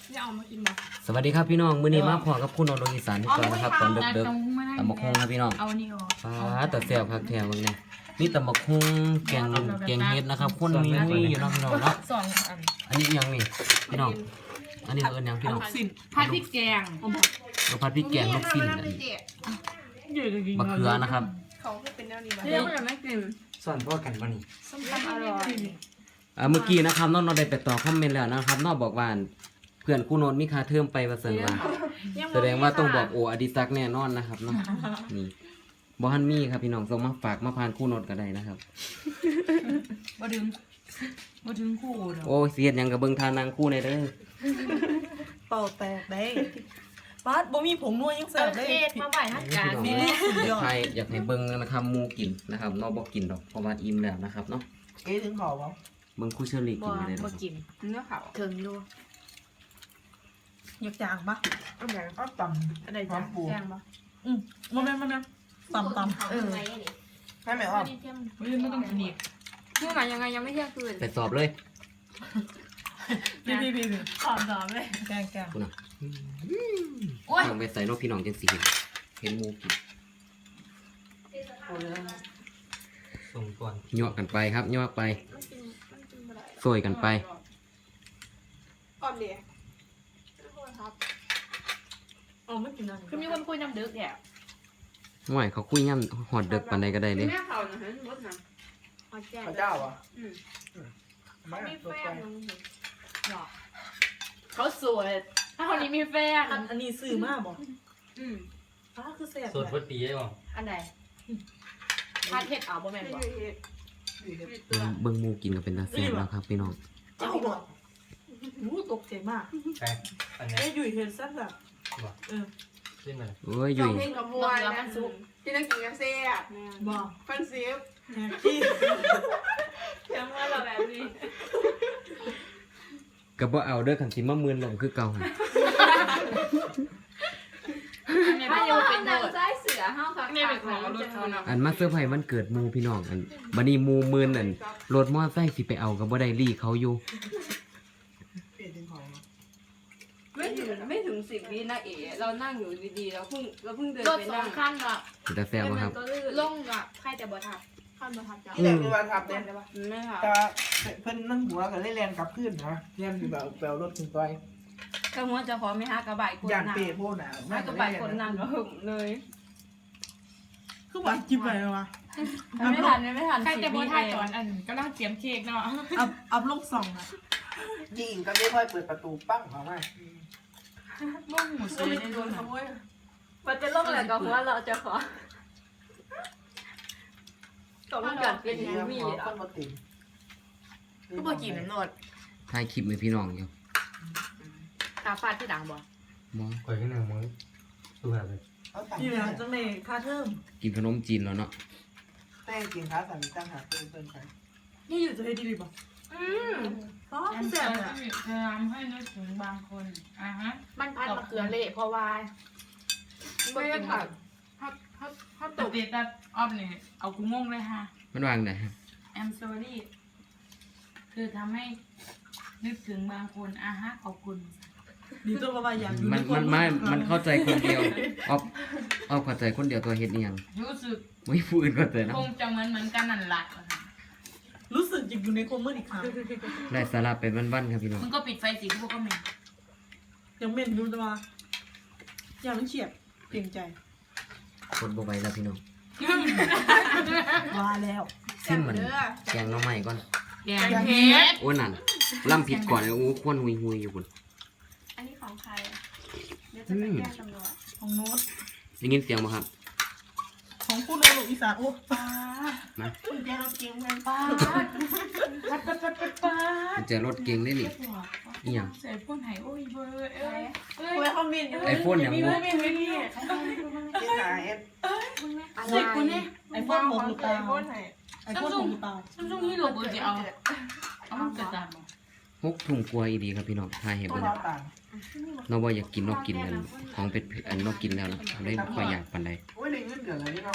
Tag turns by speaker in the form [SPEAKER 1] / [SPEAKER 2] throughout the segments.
[SPEAKER 1] จะเอามากินบ่
[SPEAKER 2] สวัสดีครับพี่น้องมื้อนี้มาพอกับคุณนนท์อีสานก่อนนะครับตอนดึกๆตำบักหุ่งครับพี่น้อง
[SPEAKER 1] เอานี่ออก
[SPEAKER 2] แต่แซ่บครับแท้เบิ่งนี่นี่ตำบักหุ่งแกงเฮ็ดนะครับคนมีอยู่เนาะพี่น้องเนาะ
[SPEAKER 1] สองอัน
[SPEAKER 2] อันนี้ยังนี่พี่น้องอันนี้เอิ้นหยังพี่น้อง
[SPEAKER 1] ผัดพริกแกง
[SPEAKER 2] เราผัดพริกแกงลูกชิ้นอันนี้มะเขือนะครับ
[SPEAKER 1] เขาเป็นแนวนี้บ่เรียกว่าไม่กิน
[SPEAKER 3] สอนพ่อกันมานี่
[SPEAKER 1] ส้มตำอร่อย
[SPEAKER 2] เมื่อกี้นะครับน้องได้ไปต่อคอมเมนต์แล้วนะครับน้องบอกว่าเพื่อนคู่โนนมีค่าเทอมไปว่าซั่นว่าแสดงว่าต้องบอกโออดิศักดิ์แน่นอนนะครับเนาะนี่บ่ฮันมีครับพี่น้องส่งมาฝากมาผ่านคู่โนนก็ได้นะครับ
[SPEAKER 1] บ่ถึงคู่เนาะ
[SPEAKER 2] โอ้ยเสียดหยังกับเบิ่งทานางคู่ในเด้อ
[SPEAKER 4] เป่าแตกได้ป้าดบ่มีผงนัวยังแส
[SPEAKER 1] เอา
[SPEAKER 4] บได้
[SPEAKER 1] เทศมาไหว้ทักการ
[SPEAKER 2] พี่
[SPEAKER 1] นี่
[SPEAKER 2] น้องอยากให้เบิ่งนะครับหมูกินนะครับน้องบ่กินดอกเพราะว่าอิ่มแล้วนะครับเนาะ
[SPEAKER 4] ถึงขอบ่
[SPEAKER 2] เบิ่งคู่เชอรี่
[SPEAKER 1] บ่
[SPEAKER 2] กินไปเลย
[SPEAKER 1] บ่
[SPEAKER 2] นะ
[SPEAKER 1] กินเนื้อขาวถึงดู
[SPEAKER 4] อยากจางปะ
[SPEAKER 1] อันไหน
[SPEAKER 4] ก็ตำ
[SPEAKER 1] อันไหนจ้ะแกงบ่
[SPEAKER 4] มาแม่ตำให้แม่อ้อม
[SPEAKER 1] ไม่ต้องกินอีกเมื่อไหร่ยังไงยังไม่เที่ยงคืน
[SPEAKER 2] ไปสอบเลย
[SPEAKER 4] พี่
[SPEAKER 1] ขอสอบเลย
[SPEAKER 4] แกง
[SPEAKER 2] คุณน่ะ
[SPEAKER 1] โอ้ย
[SPEAKER 2] ต้องไปใส่นกพี่น้องจังสิเห็นหมูกิน
[SPEAKER 3] ส่งก่อน
[SPEAKER 2] ยั่วกันไปครับยั่วไปซอยกันไป
[SPEAKER 1] ก่อนเดี๋ยว
[SPEAKER 4] อ๋อไม่กินอะไร
[SPEAKER 1] คือมีคนคุยน้ำดึกแก
[SPEAKER 2] ห่วยเขาคุยย่ำหอดเด็กปานใดก็ได้เลย
[SPEAKER 1] แม่เขานะฮะรถนะเอาแจ้ง
[SPEAKER 4] พระเจ้าอ่ะ
[SPEAKER 1] เขามีแฟนหรอเขาสวยถ้าคนนี้มีแฟน
[SPEAKER 4] อันนี้ซื้อมาบ่ ป้าคือแสบ
[SPEAKER 3] สดพอดีไอ้บ่
[SPEAKER 1] อันไหนพาเทศเอาบ่แม่นบ่
[SPEAKER 2] เบิ่งหมูกินก็เป็นตาแซ่บแล้วครับพี่น้อง
[SPEAKER 4] เจ้าบ่ตกใจมาก
[SPEAKER 3] ใช่อันนี้
[SPEAKER 4] แม่อยู่เห็นซักอ่ะ
[SPEAKER 3] บ่ขึ้นมา
[SPEAKER 2] โอ้ยยุ่ย
[SPEAKER 1] เพลงกับมวยนะซุป
[SPEAKER 5] ที่นักกินกาแฟอ่ะ
[SPEAKER 4] บ่
[SPEAKER 5] ฟันซีฟ
[SPEAKER 4] แฮกกี้
[SPEAKER 1] ยังว่าเราแบบนี้
[SPEAKER 2] ก็บ่เอาเด้อคันสิมามื่นลงคือเก่าหั่น
[SPEAKER 1] ถ้ายังเป็นโดด
[SPEAKER 5] ใต้เสือห้าวค่ะ
[SPEAKER 1] นี่เป็นของรถเขาเนาะ
[SPEAKER 2] อันมาเซอร์ไพรส์วันเกิดหมู่พี่น้องอันบัดนี้หมู่มื่นอันรถมอไซค์สิไปเอาก็บ่ได้รีเขาอยู่
[SPEAKER 4] เปลี่ยนเป็นของ
[SPEAKER 5] ไม่ถึง10 วินะเอ๋เรานั่งอยู่ดีๆเราเพิ่งเดิน
[SPEAKER 1] รถ
[SPEAKER 5] ไป
[SPEAKER 1] สอ
[SPEAKER 5] นั่
[SPEAKER 1] ง
[SPEAKER 5] ง
[SPEAKER 1] ขั้นอ่ะ
[SPEAKER 2] เป็นตาแซ่บบ่ครับ
[SPEAKER 1] ลงอ่ะใครแต่บ่ทับขั้นบ่ทับจ้ะ
[SPEAKER 4] ที่ไหนคือว่าทับเนี่ย
[SPEAKER 5] ไม่ค่ะ
[SPEAKER 4] แต่เพิ่นนั่งหัวกันได้แลนกลับขึ้นนะเรียนอยู่แบบแปลรถถึงตัว
[SPEAKER 5] ก็มัวจะขอไม่ฮักกระบายกด
[SPEAKER 4] อย่าง
[SPEAKER 5] นั่ง
[SPEAKER 4] เปย์โพดน่ะ
[SPEAKER 5] ฮักกระบายกดนั่งก็หึงเลย
[SPEAKER 4] คือว่าจิบไปแล้ววะ
[SPEAKER 5] ไม่ทัน
[SPEAKER 1] ใครแต่บ่ทับตอนอันก็ต้องเตรียมเค้กเนาะ
[SPEAKER 4] อัพลงส่องอ่ะยิงก็ไม่ค่อยเปิดประตูปั้งออกมา
[SPEAKER 1] ลงหมูซื้อได้ด้วย
[SPEAKER 5] มันจะลงแล้วก็เพราะว่าเราจะขอก็มันเกิดเป็นอย่างนี้
[SPEAKER 4] คนมาติ่ม
[SPEAKER 1] ก็บ่กินน้ำนวด
[SPEAKER 2] ถ่ายคลิปให้พี่น้องอยู่
[SPEAKER 1] ตาฟาดที่ดังบ่
[SPEAKER 2] บ่
[SPEAKER 3] ข่อยขึ้นหนึ่งมื้อดูหาเลย
[SPEAKER 4] นี่แหละจังเลยค่าเทอม
[SPEAKER 2] กินขนมจีนแล้วเนาะ
[SPEAKER 4] แต่กินค้าสั่งตั้งหาเพิ่มไป
[SPEAKER 1] นี่อยู่จะให้ดีป่ะ
[SPEAKER 4] อ๋อแสบอ่ะ
[SPEAKER 6] ทำให้นึกถึงบางคนฮะ
[SPEAKER 1] มันพันมะเขือเละเพราะว่า
[SPEAKER 5] ไม่ได้ค่ะ
[SPEAKER 6] ถ้าตกเดตัดออฟเนี่ยเอากูงงเลยฮะ
[SPEAKER 2] มันวางได้ครับ
[SPEAKER 6] I'm sorry คือทำให้นึกถึงบางคนฮะขอบคุณ
[SPEAKER 4] ดีตัวประมาณอย่าง
[SPEAKER 2] มันเข้าใจคนเดียวออฟเข้าใจคนเดียวตัวเฮ็ดอีหยัง
[SPEAKER 6] รู้สึก
[SPEAKER 2] อุ้ยผู้อื่นเข้าใจเนาะ
[SPEAKER 6] คงจะเหมือนกันนั่นแหละ
[SPEAKER 4] รู้สึกจิตอยู่ในโคมเมื่ออีกครั้ง
[SPEAKER 2] ได้สาระเป็นวันๆครับพี่น้อง
[SPEAKER 6] มึงก็ปิดไฟสิพวกก็ไม่
[SPEAKER 4] ยังเม่นดูตัวอย่ามันเฉียบเปลี่ยนใจ
[SPEAKER 2] คนบ่ไหวแล้วพี่น้อง
[SPEAKER 4] ว่าแล้ว
[SPEAKER 2] ซิมมันแกงหน้ำใหม่ก่อน
[SPEAKER 6] แกงเพชร
[SPEAKER 2] โอ้นั่นล่ำผิดก่อนโอ้ควนหุยอยู่พุ่น
[SPEAKER 5] อันนี้ของใครเดี๋ยวจะไปแจ้งตำรวจ
[SPEAKER 4] ของโน้ต
[SPEAKER 2] ได้ยินเสียงบ่ครับ
[SPEAKER 4] ของคุณโอลูกอีสานโอ้ป้า
[SPEAKER 2] มา
[SPEAKER 4] คุณแกเราเก่งแม่
[SPEAKER 6] ป้าป้า
[SPEAKER 2] มันจะรถเก่งได้นี่อีหยัง
[SPEAKER 6] ใส่พ่นไหโอ้ยเบอร์เอ้ย
[SPEAKER 4] คุยคอมเมนต์
[SPEAKER 2] ไอโฟนหยังบ่
[SPEAKER 4] ที่หาเอฟ
[SPEAKER 1] อะไร
[SPEAKER 6] กูเนี่ย
[SPEAKER 4] ไอโฟนหกหรือเปล่าไอโฟนหกหรือเปล่า
[SPEAKER 6] ช่วงนี้หลบกูจะเอามันจะตาม
[SPEAKER 2] 6 ทุ่มกว่าอีดีครับพี่น้องถ่ายให้
[SPEAKER 4] ตัว
[SPEAKER 2] เบิ่ง
[SPEAKER 4] เราต่าง
[SPEAKER 2] น้องบ่อยากกินนกกินอันของเป็ดอันนกกินแล้วนะเลยบ่ค่อยอยากปานใด
[SPEAKER 4] โอ้ยในเงินเดือนอะไรนี่เนาะ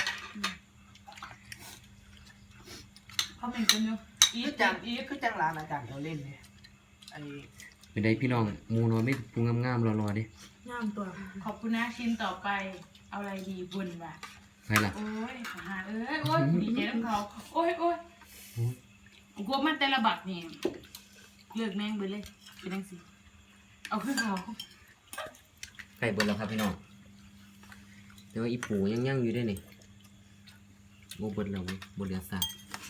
[SPEAKER 6] เขาเป็นคนเดียวอี
[SPEAKER 4] คือ
[SPEAKER 6] ท
[SPEAKER 4] จัง
[SPEAKER 6] อีท
[SPEAKER 4] คือจังร้านอาจารย์เราเล่นเนี่ยไอ
[SPEAKER 2] เป็นไดพี่น้องหมูน้อยไม่ปรุงงามๆรอๆดิ
[SPEAKER 4] ย่ามตัว
[SPEAKER 6] ขอบคุณนะชิ้นต่อไป เอาอะไรดีบุญว่ะ
[SPEAKER 2] ไปล่ะ
[SPEAKER 6] โอ้ยหาโอ้ยดีใจน้ำเขาโอ้ยกลัวมันแต่ละบักนี่เลิกแม่งไปเลยเป็นจังสิเอาขึ้นเขา
[SPEAKER 2] ไก่เบิดแล้วครับพี่น้องแต่ว่าอีปูยังอยู่ด้วยนี่บ่เบิดแล้วเว้ยบ่เหลือซาก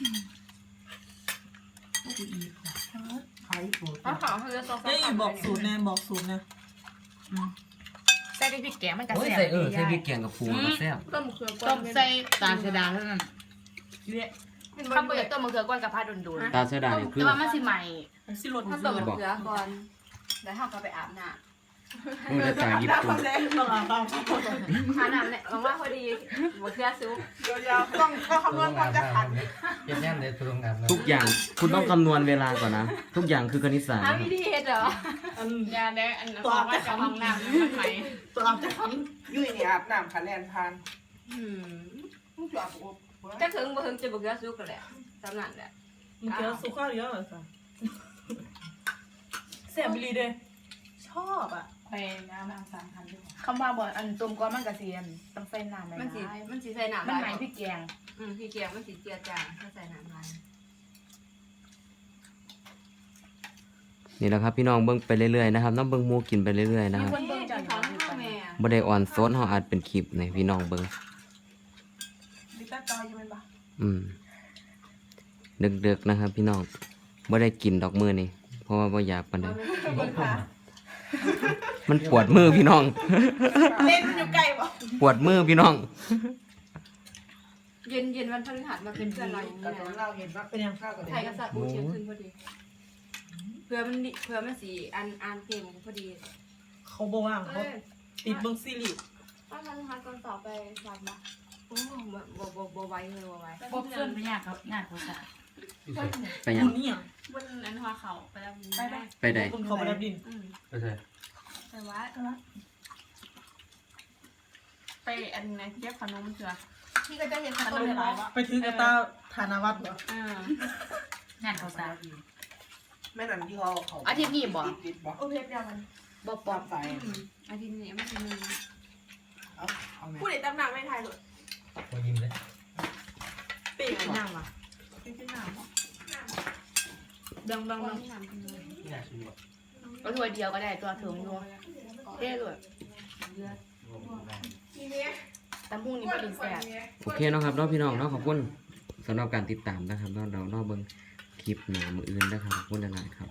[SPEAKER 1] ขายปู
[SPEAKER 5] ถ้าขาวเขาจะต้อง
[SPEAKER 4] เฮ้ยบอกสูตรแน่บอกสูตรนะ
[SPEAKER 1] ใส่พริกแกงมันกระ
[SPEAKER 2] โอ้ย
[SPEAKER 1] แซ่บ
[SPEAKER 2] ใส่พริกแกงกับปูก็แซ่บ
[SPEAKER 5] ต้มเขือ
[SPEAKER 1] ต้มใส่ตาลชะดาเท่านั้น
[SPEAKER 5] เป็น
[SPEAKER 1] ข้าวเปลือกต้มมะเขือก้อนกับผ้าโดน
[SPEAKER 2] ตาเสอดานี่
[SPEAKER 1] ๆ
[SPEAKER 2] คือ
[SPEAKER 1] แต่ว่ามันสิใหม่
[SPEAKER 4] สิรถ
[SPEAKER 5] ถ้าต้มเขือก่อนแล้วเขาก็ไปอาบน้
[SPEAKER 2] โอ้ยตาหยิบปู
[SPEAKER 4] ต้องอาบน้ำ
[SPEAKER 5] ำอาบน้ำเนี่ยหวังว่าพอดีมะเขือซุป
[SPEAKER 3] ต้องคำนวณความจะขันเย็นแน่นเลยตรงงาน
[SPEAKER 2] ทุกอย่างคุณต้องคำนวณเวลาก่อนนะ ทุกอย่างคือคณิตศาสตร์
[SPEAKER 5] หา
[SPEAKER 2] นะค
[SPEAKER 5] วิ
[SPEAKER 2] รับ
[SPEAKER 5] ธีเฮ็ดเหรอย
[SPEAKER 1] าได้อันบอกว่าจะห้องน้ำมันใหม่
[SPEAKER 4] ตัวอาบจะขัน
[SPEAKER 7] ยุ่ยนี่อาบน้ำขาแลนพาน
[SPEAKER 5] มึงจอบอบจะถึงบ่ถึงจะมะเขือซุปกันแหละสำนักแหละ
[SPEAKER 4] มันเกี่ยวสุข้าวเยอะเหรอจ๊ะแซ่บบิลีเด้ชอบอ่ะ
[SPEAKER 6] ไปน้ำบาง3,000ด้วย
[SPEAKER 1] คำว่าบ่อันต้มก้อนมันกระเซียนต้องใส่น้ำไหม
[SPEAKER 5] มันสิใส่น้ำ
[SPEAKER 1] มัน
[SPEAKER 5] ลาย
[SPEAKER 1] ใหม่พริกแกง
[SPEAKER 5] พี่เกียงมันสิเจียจางถ้าใส่น้ำลาย
[SPEAKER 2] นี่แหละครับพี่น้องเบิ่งไปเรื่อยๆนะครับน้องเบิ่งหมูกินไปเรื่อยๆนะครับ
[SPEAKER 5] คนเบิ่งจังเขาแม่
[SPEAKER 2] บ่ได้อ่อนโซนเฮาอาจเป็นคลิปในพี่น้องเบิ่ง
[SPEAKER 4] ดิต้าจอยยังเป็นปะ
[SPEAKER 2] ดึกๆนะครับ พี่น้องบ่ได้กินดอกมือนี่เพราะว่าบ่อยากปานใดมันปวดมือพี่น้อง
[SPEAKER 4] เล่นอยู่ไกลปะ
[SPEAKER 2] ปวดมือพี่น้อง
[SPEAKER 5] เย็นวันพฤหัสมาเป็นเพื่อนเราอย่าง
[SPEAKER 7] แต่
[SPEAKER 5] นี้
[SPEAKER 7] ตอน
[SPEAKER 5] นะ
[SPEAKER 7] เราเห็นว่า
[SPEAKER 4] เป็นยัง
[SPEAKER 7] ข้าวกับ
[SPEAKER 5] ไทยกับสัตว์ปูเชียงขึ้นพอดีเพื่อมันสีอันเก่งพอดี
[SPEAKER 4] เขาบอกว่าเขาติดเบิ้งซีรีส์
[SPEAKER 5] ถ้าทันทันก่อนต่อไปสัตว์มาโอ้บ่ไว้เลยบ่ไว้
[SPEAKER 6] พบเพื่อนไม่ยากครับงานโฆษณา
[SPEAKER 2] ไปยัง
[SPEAKER 4] คุณนี่อ่ะ
[SPEAKER 6] บนอันหัวเขาไปแล้ว
[SPEAKER 2] ไปได้
[SPEAKER 4] คุณเขาไปรับดิน
[SPEAKER 3] ก็ใช่
[SPEAKER 6] ไปวัด
[SPEAKER 1] ไปอันนั้นเก็บขนมเถื่อพี่ก็จะเห็นขนม
[SPEAKER 4] ไป
[SPEAKER 1] หลาย
[SPEAKER 4] ไปถือกระตาธนาวัฒน์เหรอง
[SPEAKER 6] านโฆษณา
[SPEAKER 7] แม่นั่นที่เขาเขา
[SPEAKER 1] อาทิตย์นี้บ่
[SPEAKER 7] ติดบ่
[SPEAKER 1] โอเคเดียวมันบ่ป
[SPEAKER 7] ป
[SPEAKER 1] อ
[SPEAKER 7] อ
[SPEAKER 1] ด
[SPEAKER 7] ดใส่
[SPEAKER 5] อาทิตย์นี้มันจะมี
[SPEAKER 7] เอาไหม
[SPEAKER 4] ผู้ใดตำหนักไม่ไทยเลย
[SPEAKER 3] พอยิ้มเลย
[SPEAKER 4] ปีกน้ำอ่ะปีกน้ำดัง
[SPEAKER 5] ต้องทำกันเลย
[SPEAKER 3] ที่น่าชิมอ่ะ
[SPEAKER 1] ก็ถ้วยเดียวก็ได้ตัวถึงอยู่เท่เลยตำพุงนี่บ่ได้แซ่บ
[SPEAKER 2] โอเคเนาะครับเนาะพี่น้องเนาะขอบคุณสำหรับการติดตามนะครับเนาะเราเนาะเบิ่งคลิปหน้ามื้ออื่นนะครับขอบคุณหลายๆครับ